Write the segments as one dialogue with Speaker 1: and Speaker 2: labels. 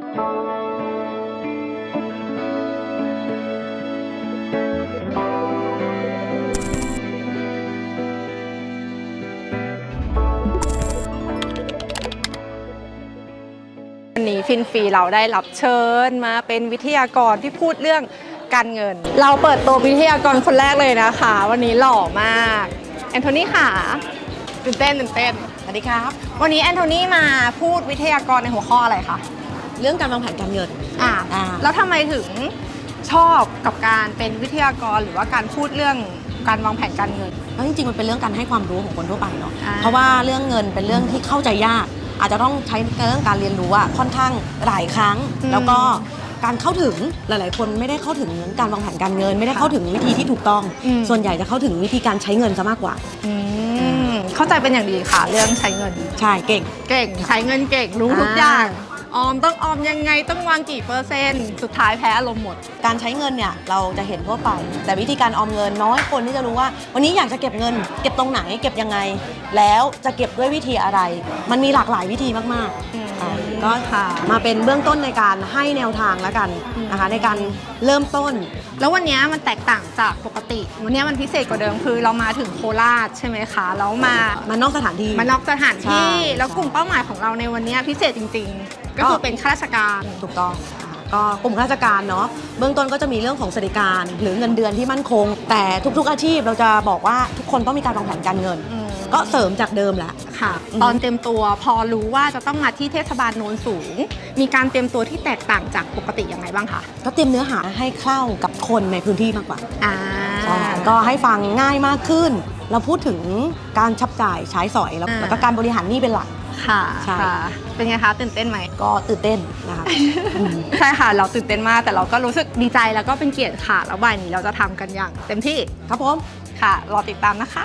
Speaker 1: วันนี้ฟินฟรีเราได้รับเชิญมาเป็นวิทยากรที่พูดเรื่องการเงินเราเปิดตัววิทยากรคนแรกเลยนะคะวันนี้หล่อมากแอนโทนีค่ะตื่นเต้น
Speaker 2: สวัสดีครับ
Speaker 1: วันนี้แอนโทนีมาพูดวิทยากรในหัวข้ออะไรคะ
Speaker 2: เรื่องการวางแผนการเงิน
Speaker 1: แล้วทำไมถึงชอบกับการเป็นวิทยากรหรือว่าการพูดเรื่องการวางแผนการเงิน
Speaker 2: เพราะจริงๆมันเป็นเรื่องการให้ความรู้ของคนทั่วไปเนาะเพราะว่าเรื่องเงินเป็นเรื่องที่เข้าใจยากอาจจะต้องใช้เรื่องการเรียนรู้ค่อนข้างหลายครั้งแล้วก็การเข้าถึงหลายๆคนไม่ได้เข้าถึงการวางแผนการเงินไม่ได้เข้าถึงวิธีที่ถูกต้องส่วนใหญ่จะเข้าถึงวิธีการใช้เงินซะมากกว่า
Speaker 1: เข้าใจเป็นอย่างดีค่ะเรื่องใช้เงิน
Speaker 2: ใช่เก่ง
Speaker 1: ใช้เงินเก่งรู้ทุกอย่างออมต้องออมยังไงต้องวางกี่เปอร์เซ็นต์สุดท้ายแพ้อารมณ์หมด
Speaker 2: การใช้เงินเนี่ยเราจะเห็นทั่วไปแต่วิธีการออมเงินน้อยคนที่จะรู้ว่าวันนี้อยากจะเก็บเงินเก็บตรงไหนเก็บยังไงแล้วจะเก็บด้วยวิธีอะไรมันมีหลากหลายวิธีมากๆก็มาเป็นเบื้องต้นในการให้แนวทางแล้วกันนะคะในการเริ่มต้น
Speaker 1: แล้ววันนี้มันแตกต่างจากปกติวันนี้มันพิเศษกว่าเดิมคือเรามาถึงโคราชใช่ไหมคะแล้วม
Speaker 2: านอกสถานที่
Speaker 1: แล้วกลุ่มเป้าหมายของเราในวันนี้พิเศษจริงๆก็คือเป็นข้าราชการ
Speaker 2: ถูกต้องก็กลุ่มข้าราชการเนาะเบื้องต้นก็จะมีเรื่องของสวัสดิการหรือเงินเดือนที่มั่นคงแต่ทุกๆอาชีพเราจะบอกว่าทุกคนต้องมีการวางแผนการเงินก็เสริมจากเดิมแหละ
Speaker 1: ค่ะตอนเตรียมตัวพอรู้ว่าจะต้องมาที่เทศบาลโนนสูงมีการเตรียมตัวที่แตกต่างจากปกติยังไงบ้างคะ
Speaker 2: ก็เตรียมเนื้อหาให้เข้ากับคนในพื้นที่มากกว่าใช่ก็ให้ฟังง่ายมากขึ้นเราพูดถึงการชับจ่ายใช้สอยแล้วก็การบริหารหนี้เป็นหลัก
Speaker 1: ค่ะเป็นไงคะตื่นเต้นไหม
Speaker 2: ก็ตื่นเต้นนะคะ
Speaker 1: ใช่ค่ะเราตื่นเต้นมากแต่เราก็รู้สึกดีใจแล้วก็เป็นเกียรติค่ะแล้วบ่ายนี้เราจะทำกันอย่างเต็มที่
Speaker 2: ครับผม
Speaker 1: ค่ะรอติดตามนะคะ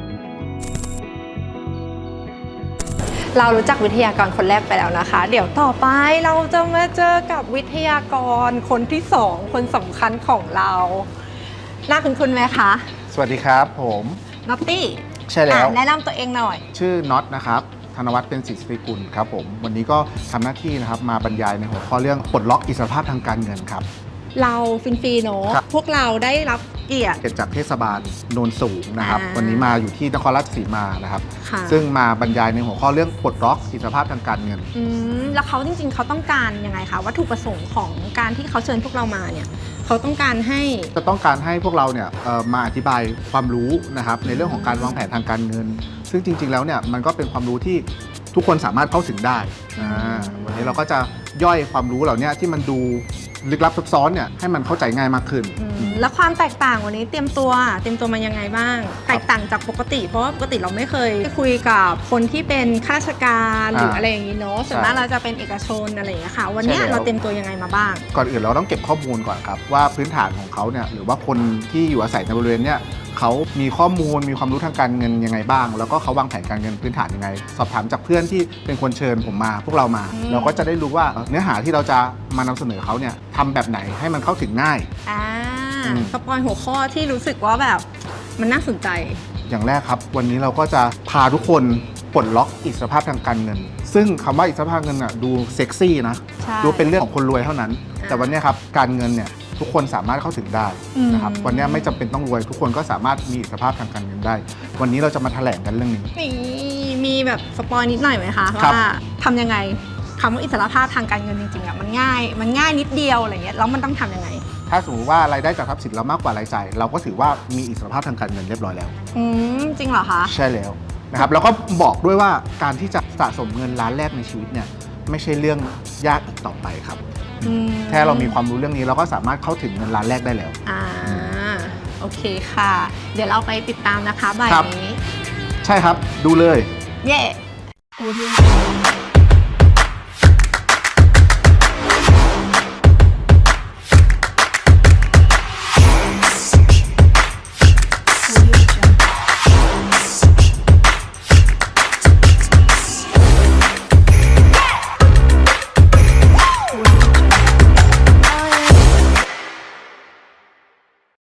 Speaker 1: เรารู้จักวิทยากรคนแรกไปแล้วนะคะเดี๋ยวต่อไปเราจะมาเจอกับวิทยากรคนที่2คนสำคัญของเราน่าคุ้นไหมคะ
Speaker 3: สวัสดีครับผม
Speaker 1: น็อตตี้
Speaker 3: ใช่แล้ว
Speaker 1: แนะนำตัวเองหน่อย
Speaker 3: ชื่อน็อตนะครับธนวัฒน์เป็นศิษย์กุลครับผมวันนี้ก็ทำหน้าที่นะครับมาบรรยายในหัวข้อเรื่องปลดล็อกอิสรภาพทางการเงินครับ
Speaker 1: เราฟินฟรีเนาะพวกเราได้รับเกียรติ
Speaker 3: จากเทศบาลโนนสูงนะครับวันนี้มาอยู่ที่นครราชสีมานะครับซึ่งมาบรรยายในหัวข้อเรื่องปลดล็อกอิสรภาพทางการเงิน
Speaker 1: แล้วเขาจริงๆเขาต้องการยังไงคะวัตถุประสงค์ของการที่เขาเชิญพวกเรามาเนี่ยเขาต้องการให้
Speaker 3: พวกเราเนี่ยมาอธิบายความรู้นะครับในเรื่องของการวางแผนทางการเงินซึ่งจริงๆแล้วเนี่ยมันก็เป็นความรู้ที่ทุกคนสามารถเข้าถึงได้วันนี้เราก็จะย่อยความรู้เหล่านี้ที่มันดูลึกลับซับซ้อนเนี่ยให้มันเข้าใจง่ายมากขึ้น
Speaker 1: แล้วความแตกต่างวันนี้เตรียมตัวมายังไงบ้างแตกต่างจากปกติเพราะว่าปกติเราไม่เคยคุยกับคนที่เป็นข้าราชการหรืออะไรอย่างนี้เนาะส่วนมากเราจะเป็นเอกชนอะไรอย่างเงี้ยค่ะวันนี้เราเตรียมตัวยังไงมาบ้าง
Speaker 3: ก่อนอื่นเราต้องเก็บข้อมูลก่อนครับว่าพื้นฐานของเขาเนี่ยหรือว่าคนที่อยู่อาศัยในบริเวณเนี่ยเขามีข้อมูลมีความรู้ทางการเงินยังไงบ้างแล้วก็เขาวางแผนการเงินพื้นฐานยังไงสอบถามจากเพื่อนที่เป็นคนเชิญผมมาพวกเรามาเราก็จะได้รู้ว่าเนื้อหาที่เราจะมานำเสนอเขาเนี่ยทำแบบไหนให้มันเข้าถึงง่าย
Speaker 1: สปอยหัวข้อที่รู้สึกว่าแบบมันน่าสนใจ
Speaker 3: อย่างแรกครับวันนี้เราก็จะพาทุกคนปลดล็อกอิสรภาพทางการเงินซึ่งคำว่าอิสรภาพเงินดูเซ็กซี่นะดูเป็นเรื่องของคนรวยเท่านั้นแต่วันนี้ครับการเงินเนี่ยทุกคนสามารถเข้าถึงได้นะครับวันนี้ไม่จำเป็นต้องรวยทุกคนก็สามารถมีอิสรภาพทางการเงินได้วันนี้เราจะมาแถลงกันเรื่องนี้
Speaker 1: มีแบบสปอยนิดหน่อยไหมคะว่าทำยังไงคำว่าอิสรภาพทางการเงินจริงๆอ่ะมันง่ายนิดเดียวอะไรเงี้ยแล้วมันต้องทำยังไง
Speaker 3: ถ้าสมมติว่ารายได้จากทรัพย์สินเรามากกว่ารายจ่ายเราก็ถือว่ามีอิสรภาพทางการเงินเรียบร้อยแล้ว
Speaker 1: จริงเหรอคะ
Speaker 3: ใช่แล้วนะครับแล้วก็บอกด้วยว่าการที่จะสะสมเงินล้านแรกในชีวิตเนี่ยไม่ใช่เรื่องยากอีกต่อไปครับแค่เรามีความรู้เรื่องนี้เราก็สามารถเข้าถึงเงินล้านแรกได้แล้ว
Speaker 1: โอเคค่ะเดี๋ยวเราไปติดตามนะคะบ่ายนี้
Speaker 3: ใช่ครับดูเลย
Speaker 1: เย้